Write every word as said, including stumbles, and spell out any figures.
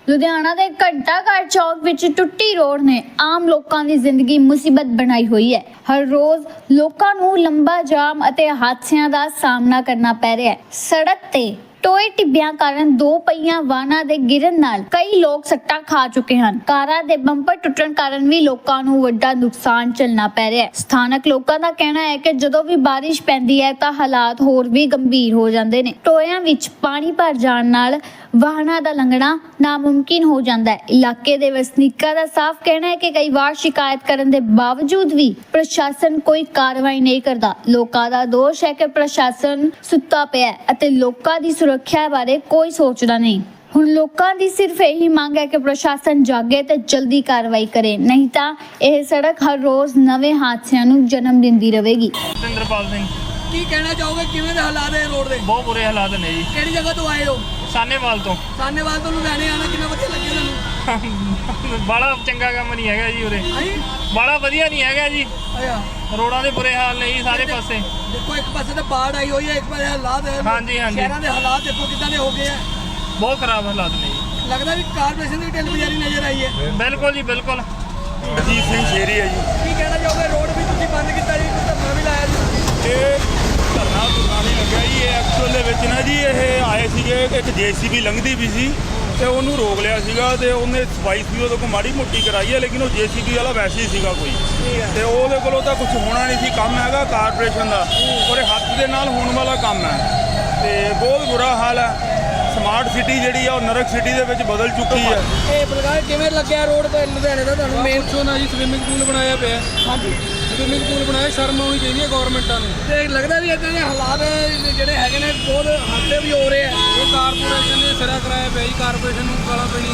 लुधियाना के घंटा घाट चौक विच टुट्टी रोड ने आम लोगों की जिंदगी मुसीबत बनाई हुई है। हर रोज लोगों नूं लंबा जाम अते हादसियां दा सामना करना पै रहा है। सड़क ते टोए टिब्बियां कारण दो पहिया वाहनां दे गिरन नाल कई लोग सट्टा खा चुके हैं। कारां दे बंपर टुटण कारण भी लोगों नूं वड्डा नुकसान झेलना पै रहा है। स्थानक लोगों का कहना है कि जदों भी बारिश पैंदी है तां हालात होर भी गंभीर हो जांदे ने। टोयां विच पानी भर जाण नाल वाहनां दा लंघना नामुमकिन हो जाता है। इलाके दे वसनीकां दा साफ कहना है कि कई बार शिकायत करने के बावजूद भी प्रशासन कोई कार्रवाई नहीं करता। लोकां दा दोष है कि प्रशासन सुत्ता पिया है अते लोकां दी सुरक्षा बारे कोई सोचदा नहीं। हुण लोकां दी सिर्फ यही मांग है कि प्रशासन जागे ते जल्दी कार्रवाई करे, नहीं तां यह सड़क हर रोज नवे हादसियां नूं जन्म दिंदी रहेगी। इंद्रपाल सिंह ਕੀ ਕਹਿਣਾ ਚਾਹੋਗੇ ਕਿਵੇਂ ਦੇ ਹਾਲਾਤ ਹੈ ਰੋਡ ਦੇ? बहुत बुरे हालात ने जी। ਕਿਹੜੀ ਜਗ੍ਹਾ ਤੋਂ ਆਏ ਹੋ? सानेवाल तो ਸਾਨੇਵਾਲ ਤੋਂ ਲੁਧਿਆਣੇ ਆਣਾ ਕਿੰਨਾ ਵਧੀਆ ਲੱਗਿਆ ਤੁਹਾਨੂੰ? बड़ा चंगा काम नहीं है जी उरे, ਹਾਂਜੀ बड़ा वधिया नहीं है जी। ਆਇਆ रोडां दे बुरे हाल ने जी सारे पासे। ਦੇਖੋ ਇੱਕ ਪਾਸੇ ਤਾਂ ਬਾੜ ਆਈ ਹੋਈ ਹੈ, ਇੱਕ ਪਾਸੇ ਹਾਲਾਤ ਹੈ। ਹਾਂਜੀ, ਹਾਂਜੀ। ਸ਼ਹਿਰਾਂ ਦੇ ਹਾਲਾਤ ਦੇਖੋ ਕਿੱਦਾਂ ਦੇ ਹੋ ਗਏ ਆ। बहुत खराब हालात ने जी। ਲੱਗਦਾ ਵੀ ਕਾਰਪੋਰੇਸ਼ਨ ਦੀ ਢਿੱਲ ਬਜ਼ਾਰੀ ਨਜ਼ਰ ਆਈ ਹੈ। बिल्कुल जी बिल्कुल। ਅਜੀਤ ਸਿੰਘ ਸ਼ੇਰੀ ਹੈ ਜੀ। ਕੀ ਕਹਿਣਾ ਚਾਹੋਗੇ? ਰੋਡ ਵੀ ਤੁਸੀਂ ਬੰਦ ਕੀਤਾ ਜੀ, ਧਰਨਾ ਵੀ ਲਾਇਆ ਜੀ। ਇਹ ਧਰਨਾ ਧੁਰਨਾ ਨਹੀਂ ਲੱਗਿਆ ਜੀ। ਇਹ ਐਕਚੁਅਲ ਦੇ ਵਿੱਚ ਨਾ ਜੀ ਇਹ ਆਏ ਸੀਗੇ, ਇੱਕ ਜੇਸੀਬੀ ਲੰਘਦੀ ਵੀ ਸੀ ਤੇ ਉਹਨੂੰ ਰੋਕ ਲਿਆ ਸੀਗਾ ਤੇ ਉਹਨੇ ਸਫਾਈ ਸੀ ਉਹਦੇ ਕੋਲ ਮਾੜੀ ਮੋਟੀ ਕਰਾਈ ਹੈ, ਲੇਕਿਨ ਉਹ ਜੇਸੀਬੀ ਵਾਲਾ ਵੈਸੇ ਹੀ ਸੀਗਾ ਕੋਈ ਤੇ ਉਹਦੇ ਕੋਲੋਂ ਤਾਂ ਕੁਝ ਹੋਣਾ ਨਹੀਂ ਸੀ। ਕੰਮ ਹੈਗਾ ਕਾਰਪੋਰੇਸ਼ਨ ਦਾ ਔਰ ਇਹ ਹੱਥ ਦੇ ਨਾਲ ਹੋਣ ਵਾਲਾ ਕੰਮ ਹੈ ਤੇ ਬਹੁਤ ਬੁਰਾ ਹਾਲ ਹੈ। ਸਮਾਰਟ ਸਿਟੀ ਜਿਹੜੀ ਆ ਉਹ ਨਰਕ ਸਿਟੀ ਦੇ ਵਿੱਚ ਬਦਲ ਚੁੱਕੀ ਹੈ। ਇਹ ਬਲਕਾਰ ਕਿਵੇਂ ਲੱਗਿਆ ਰੋਡ ਤੇ ਲੁਧਿਆਣੇ ਦਾ ਤੁਹਾਨੂੰ? ਮੇਨ ਪੁੱਛੋ ਨਾ ਜੀ, ਸਵਿਮਿੰਗ ਪੂਲ ਬਣਾਇਆ ਪਿਆ। ਹਾਂਜੀ ਸਵਿਮਿੰਗ ਪੂਲ ਬਣਾਇਆ, ਸ਼ਰਮ ਆਉਣੀ ਚਾਹੀਦੀ ਹੈ ਗਵਰਨਮੈਂਟਾਂ ਨੂੰ। ਤੇ ਲੱਗਦਾ ਵੀ ਇੱਦਾਂ ਦੇ ਹਾਲਾਤ ਜਿਹੜੇ ਹੈਗੇ ਨੇ ਬਹੁਤ ਹਾਦਸੇ ਵੀ ਹੋ ਰਹੇ ਆ। ਇਹ ਕਾਰਪੋਰੇਸ਼ਨ ਨੇ ਸਿਰਾ ਕਰਾਇਆ ਪਿਆ ਜੀ, ਕਾਰਪੋਰੇਸ਼ਨ ਨੂੰ ਗਾਲਾਂ ਪਈਆਂ